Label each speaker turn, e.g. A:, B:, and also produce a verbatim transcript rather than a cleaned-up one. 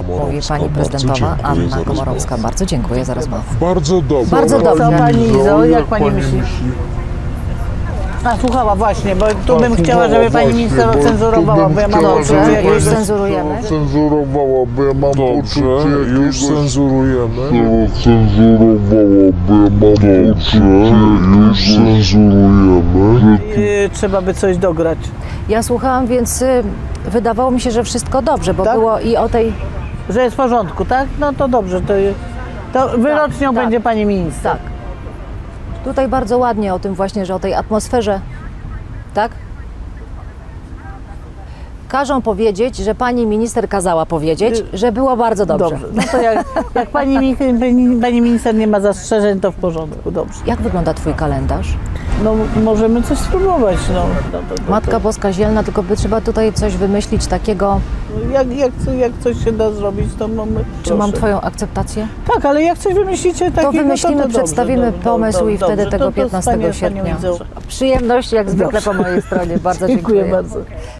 A: Mówi pani prezydentowa Anna Komorowska. Bardzo dziękuję za rozmowę.
B: Bardzo dobrze.
A: Bardzo dobrze.
C: Co pani Izo, jak pani myśli? A, słuchała właśnie, bo tu bym chciała, żeby pani minister ocenzurowała, bo ja mam
A: Dobrze,
C: poczucie
A: już
C: jakiegoś...
A: cenzurujemy.
B: Cenzurowała, bo ja mam
D: Dobrze,
B: poczucie
D: już
B: jakiegoś...
D: cenzurujemy.
B: Cenzurowała, bo ja mam poczucie, już cenzurujemy.
C: Yy, trzeba by coś dograć.
A: Ja słuchałam, więc y, wydawało mi się, że wszystko dobrze, bo
C: Tak?
A: było i o tej...
C: Że jest w porządku, tak? No to dobrze, to, to wyrocznią
A: tak.
C: będzie pani minister.
A: Tak. Tutaj bardzo ładnie o tym właśnie, że o tej atmosferze, tak? Każą powiedzieć, że pani minister kazała powiedzieć, że było bardzo dobrze.
C: Dobrze. No to jak, jak pani, mi- pani, pani minister nie ma zastrzeżeń, to w porządku, dobrze.
A: Jak wygląda twój kalendarz?
C: No możemy coś spróbować, no. no to, to,
A: Matka Boska Zielna, tylko by trzeba tutaj coś wymyślić takiego.
C: to, jak, jak, jak coś się da zrobić, to mamy...
A: Czy mam twoją akceptację?
C: Tak, ale jak coś wymyślicie takiego,
A: To wymyślimy,
C: to, to dobrze,
A: przedstawimy
C: dobrze,
A: pomysł
C: dobrze,
A: i wtedy
C: dobrze,
A: tego
C: to- to
A: piętnastego
C: wspaniale,
A: sierpnia.
C: panią widzę.
A: Przyjemność jak zwykle po mojej stronie. Bardzo
C: Dziękuję
A: dziękuję.
C: bardzo.